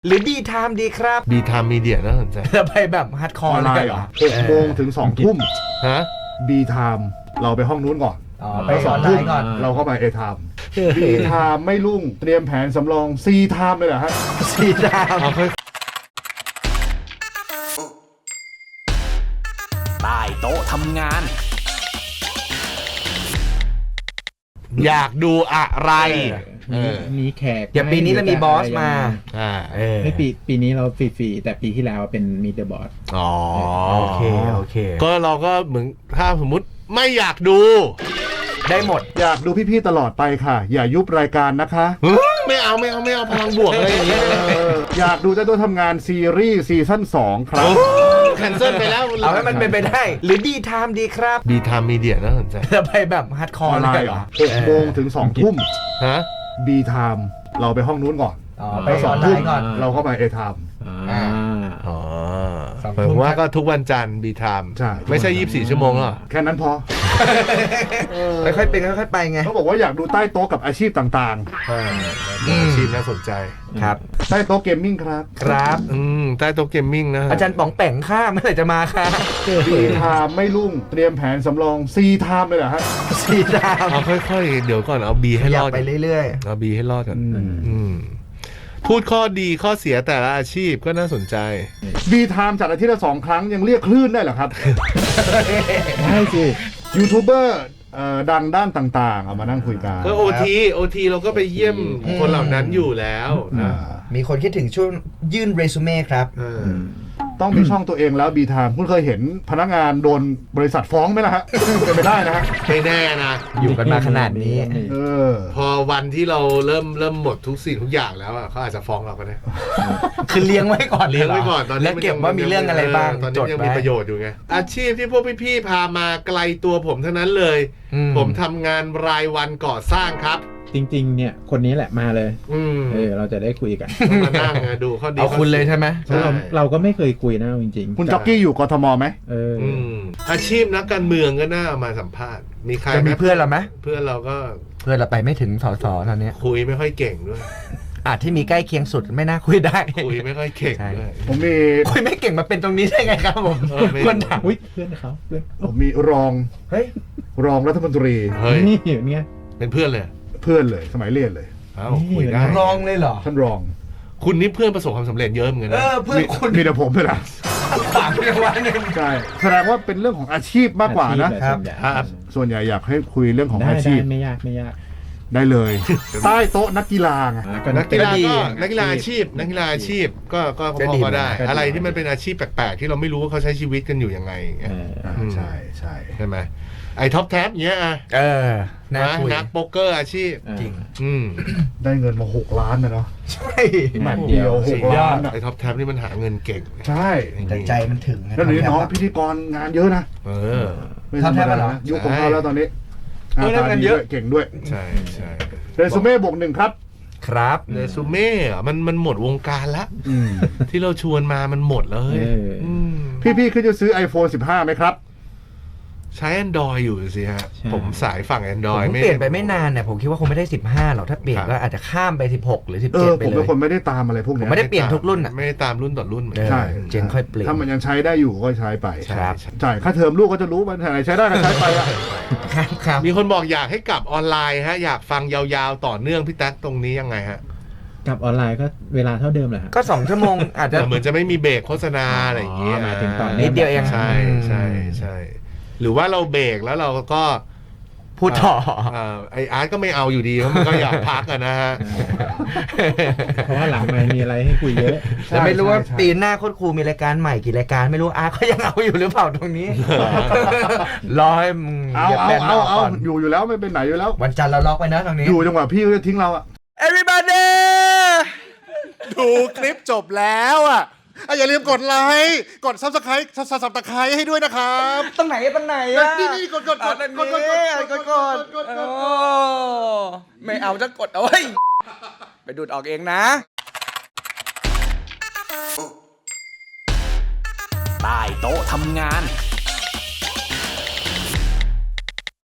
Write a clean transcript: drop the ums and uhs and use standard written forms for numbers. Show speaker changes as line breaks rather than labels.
หรือบีไทม์ดีครับ
บีไทม์มีเดียน่าสนใจ
จะไปแบบฮาร์ดคอร์เลยเหรอ
6 โมงถึง 2 ทุ่ม
ฮะ
B time เราไปห้องนู้นก่อน
ไปออนไลน์ก่อน
เราเข้าไป A time B time ไม่รุ่งเตรียมแผนสำรอง C time เลยเหรอฮะ
ซีไทม์
เอาค่อย
ใต้โต๊ะทำงาน
อยากดูอะไรเออ
มีแขก
เดี๋ยวปีนี้เรามีบอสมา
อ่า
ไม่ปีนี้เราฟรีๆแต่ปีที่แล้วเป็นมีเดอะบอส
อ๋อ
โอเค
ก็เราก็เหมือนถ้าสมมติไม่อยากดู
ได้หมด
อยากดูพี่ๆตลอดไปค่ะ อย่ายุบรายการนะคะ
ไม่เอาพลังบวกอะไรอย่างเงี้ย
อยากดูเจ้าตัวทำงานซีรีส์ซีซั่น2 ครับ
แคนเซิลไปแล้ว
เอาให้มันเป็นไปได้ หรือบีไทม์ดีครับ
บีไทม์มีเดียน่าสนใจ
จะไปแบบฮาร์ดคอ
อ
ร์
อนไล
เลย
น์
เห
เห
ร
ร
อ
อ6 โมงถึง 2 ทุ่ม
ฮะ
B time เราไปห้องนู้นก่อน
ไปออนไลน์ก่อน
เราเข้าไป A time
อ๋อ
สองทุ่ม
ผมว่าก็ทุกวันจันทร์บีไทม์
ใช่
ไม่ใช่24 ชั่วโมงหรอ
แค่นั้นพอ
ค่อยๆเป็นค่อยๆไปไง
เขาบอกว่าอยากดูใต้โต๊ะกับอาชีพต่าง
อาชีพน่าสนใจ
ครับ
ๆ ใต้โต๊ะเกมมิ่งครับ
ครับ
ใต้โต๊ะเกมมิ่งนะ
อาจารย์ป๋องแป่งข้าเมื่อไหร่จะมาคะ
B time ไม่รุ่งเตรียมแผนสำรอง C time เลยเหรอฮะ
ซีไทม์
เอาค่อยๆเดี๋ยวก่อนเอาบีให้
อ
ร
ยาก
อด
ไปเรื่อย
เอาบีให้รอดก่อนพูดข้อดีข้อเสียแต่ละอาชีพก็น่าสนใจ
B time จัดอาทิตย์ละ 2 ครั้งยังเรียกคลื่นได้เหรอครับ
ได้สิ
ยูทูบเบอร์ดังด้านต่างๆ เอามานั่งคุยกัน
ก็โอทีเราก็ไปเยี่ยมคนเหล่านั้นอยู่แล้วนะ
ๆ มีคนคิดถึงช่วงยื่นเรซูเม่ครับ
ต้องมีช่องตัวเองแล้ว B time คุณเคยเห็นพนักงานโดนบริษัทฟ้องไหมล่ะฮะ เป็นไปได้นะฮะ
ไม่แน่นะ
อยู่กันมาขนาดนี้
เออ
พอวันที่เราเริ่มหมดทุกสิ่งทุกอย่างแล้วอะเขาอาจจะฟ้องเราก็ได้
คือเลี้ยงไว้ก่อน
เลี้ยงไว้ก่อนตอนนี้
แล้วเก็บว่ามีเรื่องอะไรบ้าง
ตอนนี้
จด
ยัง
ไว้
มีประโยชน์อยู่ไงอาชีพที่พวกพี่ๆพามาไกลตัวผมทั้งนั้นเลย ผมทำงานรายวันก่อสร้างครับ
จริงๆเนี่ยคนนี้แหละมาเลย
อืม
เราจะได้คุยกัน
ต้องมานั่งดูข้อดี
เอาคุณเลยใช่ไหม
เพราะเราก็ไม่เคยคุยนะจริงๆ
คุณจ็อกกี้อยู่กทมไหม
อาชีพนักการเมืองก็น่าเอามาสัมภาษณ์มีใคร
จะมีเพื่อนเราไหม
เพื่อนเราก็
เพื่อนเราไปไม่ถึงสสตอนนี้
คุยไม่ค่อยเก่งด้วย
ที่มีใกล้เคียงสุดไม่น่าคุยได้
คุยไม่ค่อยเก่งด้วย
ผมมี
คุยไม่เก่งมาเป็นตรงนี้ได้ไงครับผม
ไม่
คนถาม
อุ้ยเพื่อนเขาเพื่อน
ผมมีรอง
เฮ้ย
รองรัฐมนตรี
เฮ้ย
นี่เห็นไง
เป็นเพื่อนเลย
เพื่อนเลยสมัยเรียนเลย
เอ้าคุยได้
รองเลยเหรอ
ท่านรอง
คุณนี่เพื่อนประสบความสำเร็จเยอะเหมือนกันนะ
เพื่อนคุณ
มีแต่ผมเลยนะ
ถามเรื่องว่าหนึ่ง
ใช่แสดงว่าเป็นเรื่องของอาชีพมากกว่านะ
ครับ
ครับ
ส่วนใหญ่อยากให้คุยเรื่องของ
ได้
อาชีพ
ไม่ยาก
ได้เลย ใต้โต๊ะนักกีฬาไง
นักกีฬา
ดี
ก็นักกีฬาอาชีพก็พอได้ อะไรที่มันเป็นอาชีพแปลกๆที่เราไม่รู้ว่าเขาใช้ชีวิตกันอยู่ยังไงอย่างเงี้ย
ใช่ใช่
ใช่ไหมไอ้ท็อปแท็บเงี้ยอะ
น่าคุย
นักโป๊กเกอร์อาชีพ
จริง
ได้เงินมา6 ล้านนะเนาะ
ใช่
แมตช์เดียว6 ล้านอะ
ไอ้ท็อปแท็บนี่มันหาเงินเก่ง
ใช่
แต่ใจมันถึงนะ
แล้วเดี๋ยวนี้น้องพิธีกรงานเยอะนะ
เออ
ไม่ธรรม
ทำแทบ
ดา
เหรอ
นะยุคของเขาแล้วตอนนี้
เออได้เงิน
ดี
เยอะ
ด้วยเก่งด้วย
ใช่ใช่
เรซูเม่บวก 1 ครับ
ครับ
เรซูเม่อะมันหมดวงการละ
อืม
ที่เราชวนมามันหมดเลย
พี่ๆคือจะซื้อ iPhone 15ไหมครับ
ใช้ Android อยู่สิฮะ ผมสายฝั่ง
ผม
Android
เปลี่ยนไปไม่นานเนี่ยผมคิดว่าคงไม่ได้ 15หรอกถ้าเปลี่ยนก็อาจจะข้ามไป 16 หรือ 17 ไป
ผม
เล
เป็น
ย
คนไม่ได้ตามอะไรพวก
ผม
เนี้ย
ไม่ได้เปลี่ยนทุกรุ่นอ่ะ
ไม่ได้ตามรุ่นต่อรุ่นเหมือน
ใช่
เจนค่อยเปลี่ยน
ถ้ามันยังใช้ได้อยู่ก็ใช้ไป
ครับ
ใช่ค่าเทอมลูกก็จะรู้มันไหนใช้ได้ก็ใช้ไปอะ
ครับ
มีคนบอกอยากให้กลับออนไลน์ฮะอยากฟังยาวๆต่อเนื่องพี่แท็กตรงนี้ยังไงฮะ
กับออนไลน์ก็เวลาเท่าเดิมแหละ
ก็ 2 ชั่วโมงอาจจะ
เหมือนจะไม่มีเบรกโฆษณาอะไรอย่างเงี้ย
หมายถึงตอน
นิดเดียวเอง
ใช่ใช่ใช่หรือว่าเราเบรกแล้วเราก็
พูดต่อ
ไออาร์ตก็ไม่เอาอยู่ดีเพราะมันก็อยากพักอะนะฮะ
เพราะว่าหลังไม่มีอะไรให้คุยเยอะ
แต่ไม่รู้ว่าปีหน้าโคตรครูมีรายการใหม่กี่รายการไม่รู้อาร์ตเขายังเอาอยู่หรือเปล่าตรงนี้ รอให้มึง
เอา
หยียบแบนนอกก่อน
อยู่แล้วไม่เป็นไหนอยู่แล้ว
วันจันทร์เราล็อกไว้นะตรงนี้
อยู่จังหวะพี่จะทิ้งเราอะ
everybody
ดูคลิปจบแล้วอะอย่าลืมกดไลค์กด Subscribe ให้ด้วยนะครับ
ตรงไหนอะ
นี่กด
กดไม่เอาจะกดเอาไว้ไปดูดออกเองนะ
ใต้โต๊ะทำงาน